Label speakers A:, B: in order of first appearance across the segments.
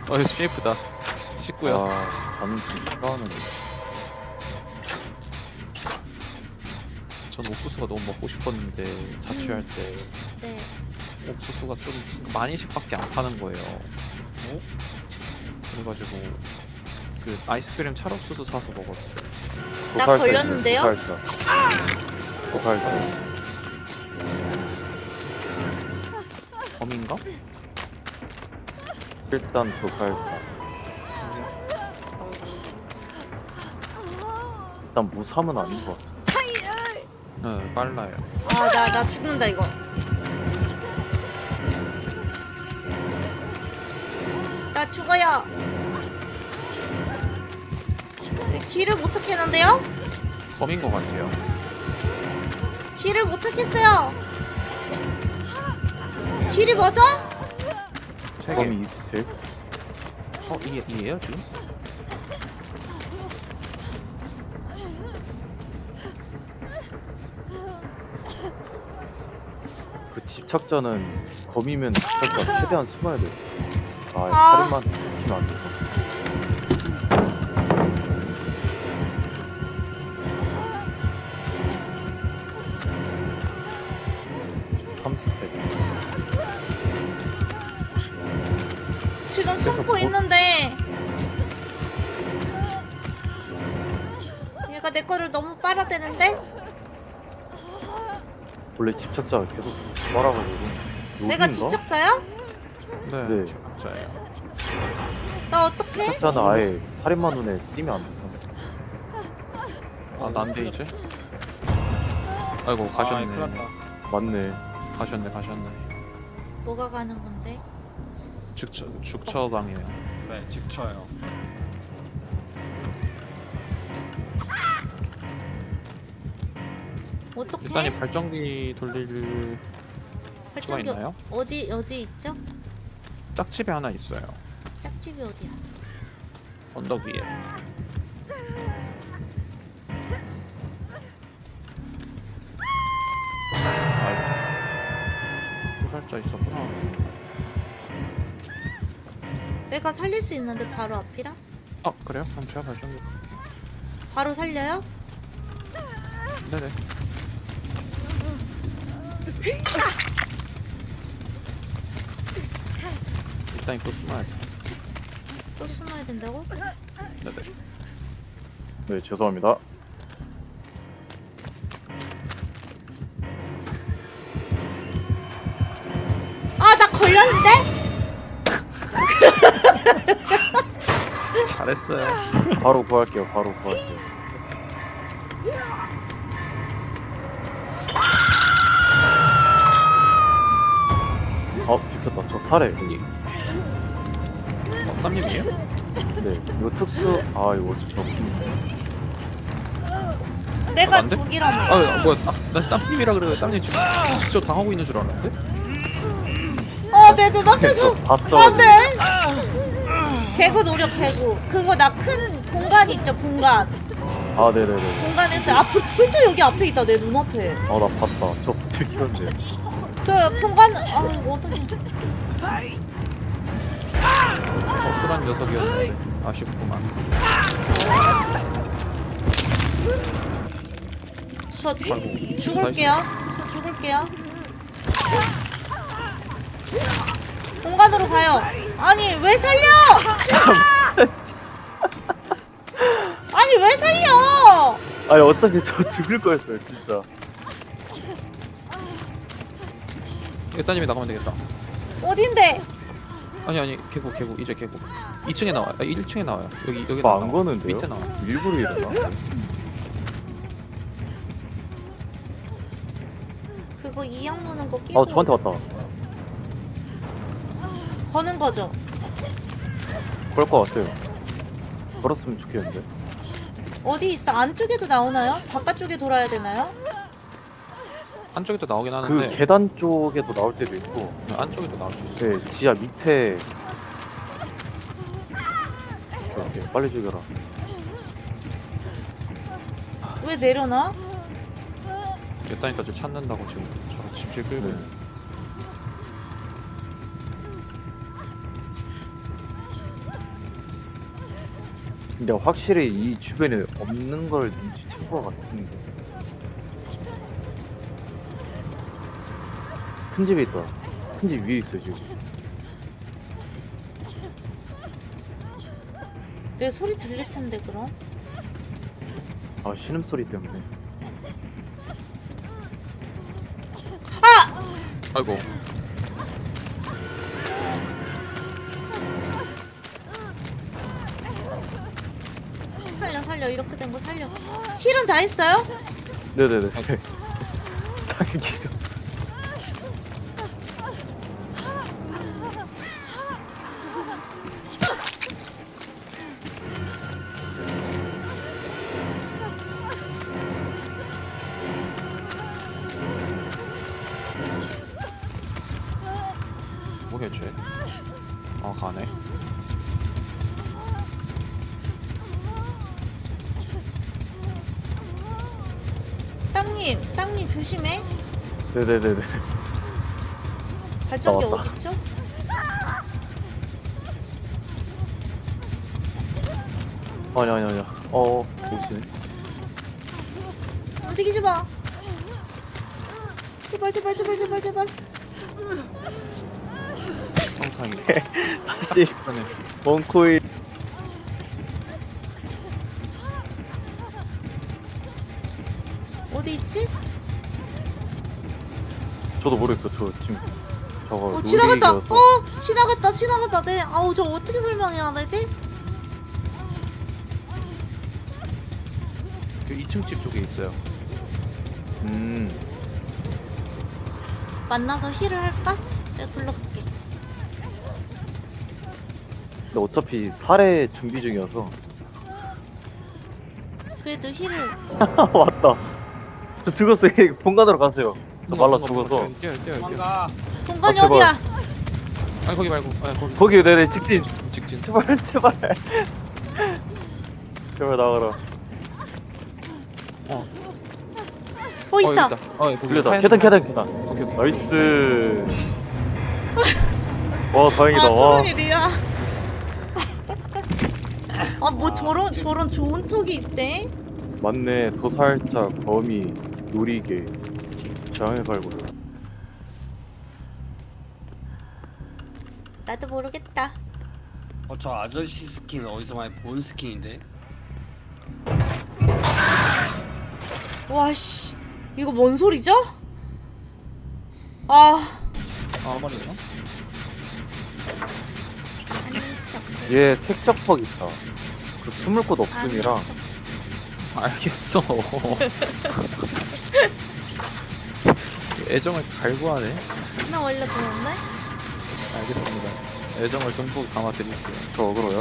A: CF다. 19야.
B: 아, 나는 좀 싫어하는데.
A: 전 옥수수가 너무 먹고 싶었는데 자취할 때
C: 네.
A: 옥수수가 좀 많이씩밖에 안 파는 거예요. 어? 그래가지고 그 아이스크림 찰옥수수 사서 먹었어요.
C: 나 걸렸는데요?
B: 고갈자.
A: 범인가?
B: 일단 고갈자. 일단 무삼은 아닌 것 같아.
A: 네, 빨라요.
C: 아, 나 죽는다, 이거. 나 죽어요. 길을 못 찾겠는데요?
A: 범인 것 같아요.
C: 길을 못 찾겠어요. 길이 뭐죠?
A: 세 개.
B: 범이 이스틸.
A: 이해요 지금?
B: 그 집착자는 범이면 집착자 최대한 숨어야 돼. 아,
C: 아.
B: 살인만 시키면 안 돼서. 삼스텝.
C: 지금 숨고
B: 뭐-
C: 있는데 얘가 내 거를 너무 빨아대는데?
B: 원래 집착자가 계속 말아가지고.
C: 내가
B: 여긴가?
C: 집착자야?
A: 네,
B: 네.
A: 집착자예요.
C: 나 어떡해?
B: 집착자는 아예 살인마 눈에 띄면 안 돼서.
A: 아, 난데 이제? 아이고 가셨네.
D: 큰일 났다.
B: 맞네.
A: 가셨네.
C: 뭐가 가는 건데?
A: 죽처방이에요.
D: 네, 직쳐요.
C: 어떡해?
A: 일단이 발전기 돌릴 수가
C: 발전기
A: 있나요?
C: 어디 있죠?
A: 짝집에 하나 있어요.
C: 짝집이 어디야?
A: 언덕 위에. 아이고. 소살자 있었구나.
C: 내가 살릴 수 있는데 바로 앞이라?
A: 아 그래요? 그럼 제가 발전기.
C: 바로 살려요?
A: 네네. 일단 또 숨어야 돼.
C: 또 숨어야 된다고?
A: 네네.
B: 네, 죄송합니다.
C: 아, 나 걸렸는데?
A: 잘했어요.
B: 바로 구할게요. 바로 구할게요. 비켰다. 저 살해.
A: 여기. 땀님이에요?
B: 네, 이거 특수. 이거 저
C: 내가
A: 안 돼?
C: 저기라며.
A: 아 뭐야? 난 땀님이라 그래. 땀님 지금 직접 당하고 있는 줄 알았는데?
C: 내 눈앞에서
B: 봤어.
C: 안 돼. 개구 노력 개구. 그거 나 큰 공간 있죠, 공간.
B: 네네네.
C: 공간에서 불도 여기 앞에 있다, 내 눈앞에.
B: 나 봤다. 저 들켰는데.
C: 그 공간 어떡해.
A: 어슬한 녀석이었는데 아쉽구만.
C: 저
A: 아이고,
C: 죽을게요. 저 죽을게요. 공간으로 가요. 아니 왜 살려? 아니 왜 살려?
B: 아니 어차피 저 죽을 거였어요 진짜.
A: 따님이 나가면 되겠다.
C: 어딘데?
A: 아니 개구 이제 개구 2층에 나와요. 1층에 나와요. 여기
B: 안 거는데요?
A: 밑에 나와.
B: 일부러 이러나?
C: 그거 이양 무는 거 끼고
B: 저한테 왔다.
C: 거는 거죠.
B: 그럴 것 같아요. 걸었으면 좋겠는데.
C: 어디 있어? 안쪽에도 나오나요? 바깥쪽에 돌아야 되나요?
A: 안쪽에도 나오긴
B: 그
A: 하는데
B: 계단 쪽에도 나올 때도 있고,
A: 안쪽에도 나올 수 있어요.
B: 네, 지하 밑에. 이렇게 빨리 죽여라.
C: 왜 내려놔?
A: 따니까 찾는다고 지금 저 집질 끌고.
B: 네. 근데 확실히 이 주변에 없는 걸 눈치챈 것 같은데. 큰 집에 있다. 큰 집 위에 있어요 지금.
C: 내 소리 들릴 텐데 그럼.
B: 아 신음소리 때문에.
A: 아이고.
C: 살려 이렇게 된 거 살려. 힐은 다 했어요?
B: 네네네. 당기죠.
A: 뭐겠지? 아 가네.
C: 땅님 조심해.
B: 네네네네.
C: 발전기
B: 나왔다.
C: 어딨죠?
B: 아니. 여기 있네.
C: 움직이지 마. 제발.
A: 성상이.
B: 다시 원코인.
C: 어디 있지?
B: 저도 모르겠어. 저 지금 저거
C: 지나갔다.
B: 롤링이어서.
C: 지나갔다. 네. 아우 저 어떻게 설명해야 되지?
A: 그 2층 집 쪽에 있어요.
C: 만나서 힐을 할까? 내가 불러볼게.
B: 근데 어차피 탈의 준비 중이어서.
C: 그래도 힐을.
B: 왔다. 저 죽었어요. 본관으로 가세요. 저 말라 죽어서.
A: 뛰어.
D: 도망가.
C: 공간이
B: 제발.
C: 어디야?
A: 아니 거기 말고. 아니 거기.
B: 거기 네네 직진.
A: 직진.
B: 제발. 제발 나가라.
C: 있다.
A: 거기
B: 돌려다.
A: 하얀
B: 계단.
A: 오케이.
B: 나이스. 와 다행이다.
C: 아
B: 와.
C: 무슨 일이야? 아 뭐 저런 좋은 폭이 있대?
B: 맞네. 도살자, 거미, 놀이개, 장애 발굴.
C: 나도 모르겠다.
D: 저 아저씨 스킨 어디서 많이 본 스킨인데?
C: 와씨 이거 뭔 소리죠? 아
A: 말이죠.
B: 얘 색적퍽 있다. 그 숨을 곳 없음이랑.
A: 알겠어. 애정을 갈구하네.
C: 나 원래 그런데?
A: 알겠습니다. 애정을 듬뿍 담아드릴게요.
B: 저 어그로요?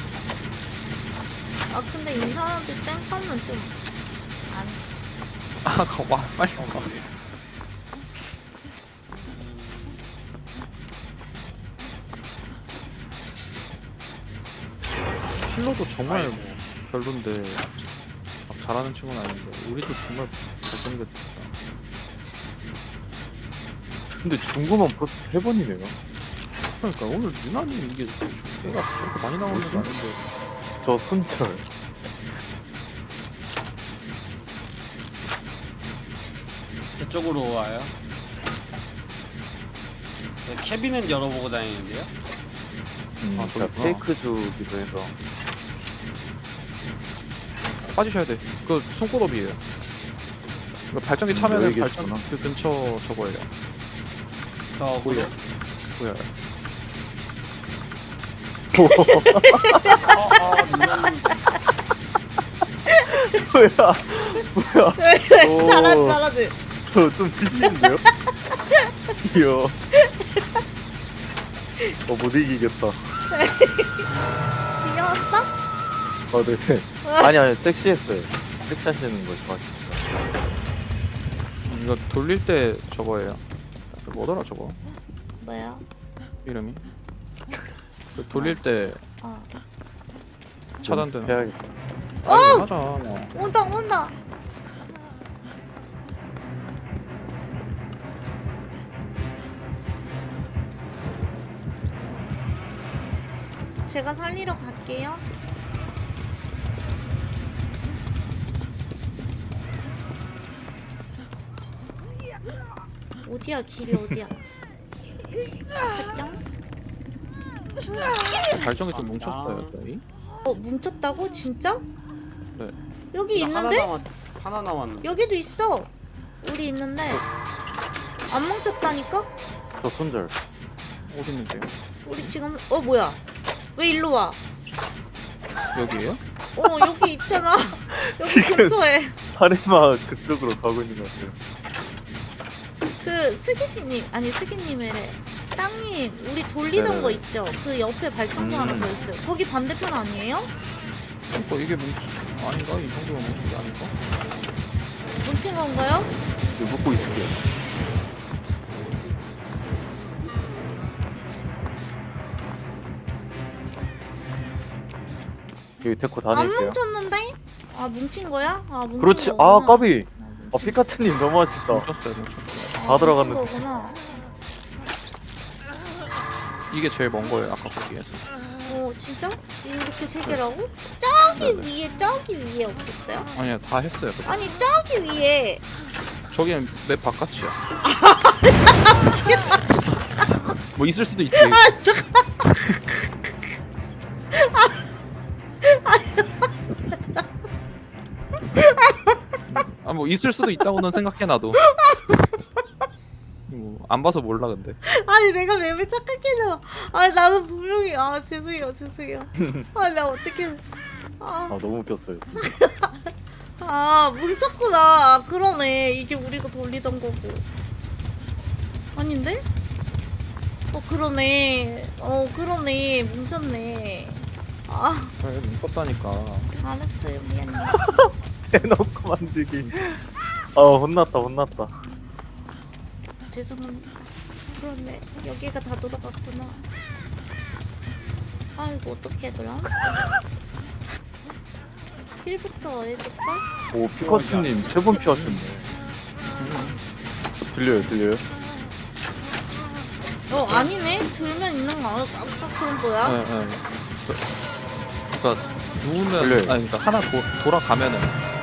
C: 아 근데 이 사람들 땡하면 좀 안.
A: 와 빨리 와. 힐러도 정말
D: 아이고.
A: 별론데 막 잘하는 친구는 아닌데 우리도 정말 잘생겼다.
B: 근데 중구만 벌써 3번이네요.
A: 그러니까 오늘 유난히 이게 애가 저렇게 많이 나오는 게 아닌데.
B: 저 손절.
D: 저쪽으로 와요. 네, 캐비는 열어보고 다니는데요.
A: 아,
B: 제가
A: 저기구나.
B: 페이크 주기도 해서.
A: 빠지셔야 돼. 그 손꼽업이에요. 그 발전기 차면은
B: 여기
A: 발전
B: 계시구나.
A: 그 근처 저거예요.
D: 저
A: 보여요. 보여요.
B: 뭐야? 오.
C: 잘하지.
B: 저좀 뒤지는데요? 이야. 못 이기겠다.
C: 귀여웠어?
B: 네. 아니, 섹시했어요. 섹시하시는 걸 좋아하시니까.
A: 이거 돌릴 때 저거예요. 뭐더라 저거
C: 뭐야?
A: 이름이? 그 돌릴 때
C: 어.
A: 차단되는.
B: 해야겠다.
A: 아니, 하자.
C: 온다. 제가 살리러 갈게요. 어디야 길이 어디야? 발정?
A: 발정이 좀 뭉쳤어요 저희.
C: 뭉쳤다고? 진짜?
A: 네.
C: 여기 있는데?
D: 하나 남았는데.
C: 여기도 있어. 우리 있는데 안 뭉쳤다니까?
B: 저 손절.
A: 어디 있는데요?
C: 우리 지금 뭐야? 왜 일로 와?
A: 여기에요?
C: 여기 있잖아. 여기 근처에.
B: 살인마 그쪽으로 가고 있는 것 같아요.
C: 그 스기님이래. 땅님 우리 돌리던
B: 네네네.
C: 거 있죠? 그 옆에 발전기 하나 더 있어요. 거기 반대편 아니에요?
A: 그러니까 이게 아닌가? 이 정도면 뭉친 게 아닌가?
C: 뭉친 건가요?
B: 이거 묶고 있을게요. 여기 데코
C: 안
B: 다닐게요.
C: 뭉쳤는데? 아 뭉친 거야? 아 뭉친
B: 그렇지.
C: 거구나.
B: 아 까비. 피카츄님 너무 아쉽다.
A: 뭉쳤어요.
C: 아,
B: 다 들어갔는데.
C: 뭉친 거구나.
A: 이게 제일 먼 거예요 아까 거기에서.
C: 진짜? 이렇게 세 개라고? 저기
A: 네네.
C: 저기 위에 없었어요?
A: 아니요 다 했어요.
C: 아니 저기 위에
A: 저기는 맵 바깥이야. 뭐 있을 수도 있지. 뭐 있을 수도 있다고는 생각해 나도. 안 봐서 몰라 근데.
C: 아니 내가 맵을 착각했나 봐. 나는 분명히 죄송해요. 내가 어떻게
B: 아 너무 웃겼어요. 진짜.
C: 뭉쳤구나. 그러네. 이게 우리가 돌리던 거고. 아닌데? 그러네. 그러네. 뭉쳤네.
A: 그래 뭉쳤다니까.
C: 알았어요. 미안해.
B: 대놓고 만들기. 혼났다.
C: 죄송합니다. 그렇네. 여기가 다 돌아갔구나. 이거 어떻게 해 그럼? 힐부터 해줄까?
B: 오 피카츄님 3번 피하셨네. 들려요?
C: 아니네. 들면 있는 거 아까 그런 거야?
A: 네. 그러니까 누우면
B: 들려요.
A: 그러니까 하나 돌아가면은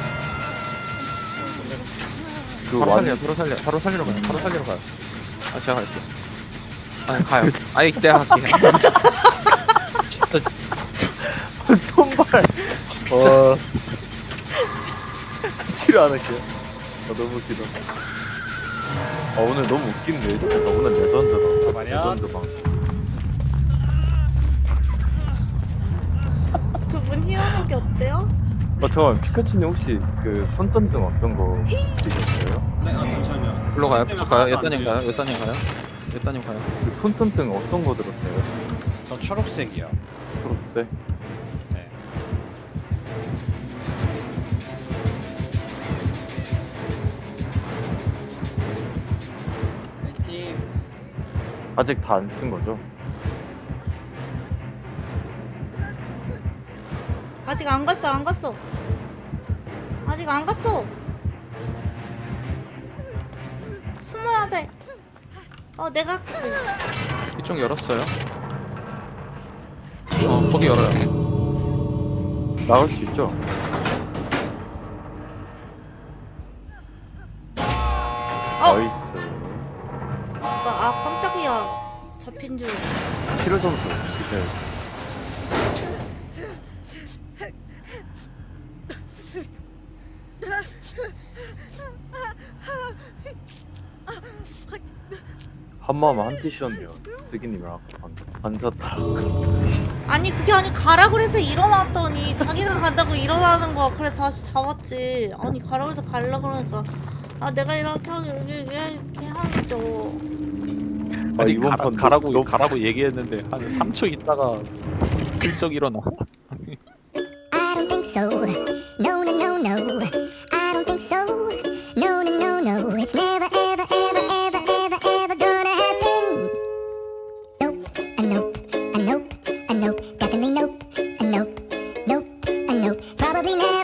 B: 그
A: 바로 살리러 가요. 제가 갈게요. 가요. 내가 갈게. 진짜
B: 손발.
A: 진짜.
B: 치료 안 할게요. 너무 웃기다. 오늘 너무 웃긴데. 진짜 오늘 레전드다.
D: 말이야.
B: 레전드 방.
C: 두 분 힐하는 게 어때요?
B: 잠깐만 피카츄님 혹시 그 손전등 어떤 거 쓰셨어요?
D: 네, 잠시만요.
A: 불러 가요. 그쪽 가요. 예따님 가요.
B: 그 손전등 어떤 거 들었어요?
D: 저 초록색이요.
B: 초록색?
D: 네. 파이팅.
B: 아직 다 안 쓴 거죠?
C: 아직 안 갔어. 아직 안 갔어. 숨어야 돼. 내가 할게.
A: 이쪽 열었어요. 거기 열어요.
B: 나올 수 있죠? 나이스.
C: 깜짝이야. 잡힌 줄.
B: 치료 점수 주세요. 한마음 한티셨네요. 쓰기님이랑 앉았다.
C: 아니 그게 아니 가라 그래서 일어났더니 자기가 간다고 일어나는 거야. 그래서 다시 잡았지. 아니 가라 그래서 갈라 그러니까 내가 이렇게 하죠.
A: 아니
B: 이번 판
A: 가라고 얘기했는데 한 3초 있다가 슬쩍 일어나.
E: I don't think so. No, no, no, no. I don't think so. No, no, no, no. It's never, ever, ever, ever, ever, ever gonna happen. Nope, a nope, a nope, a nope. Definitely nope, a nope, nope, a nope. Probably never.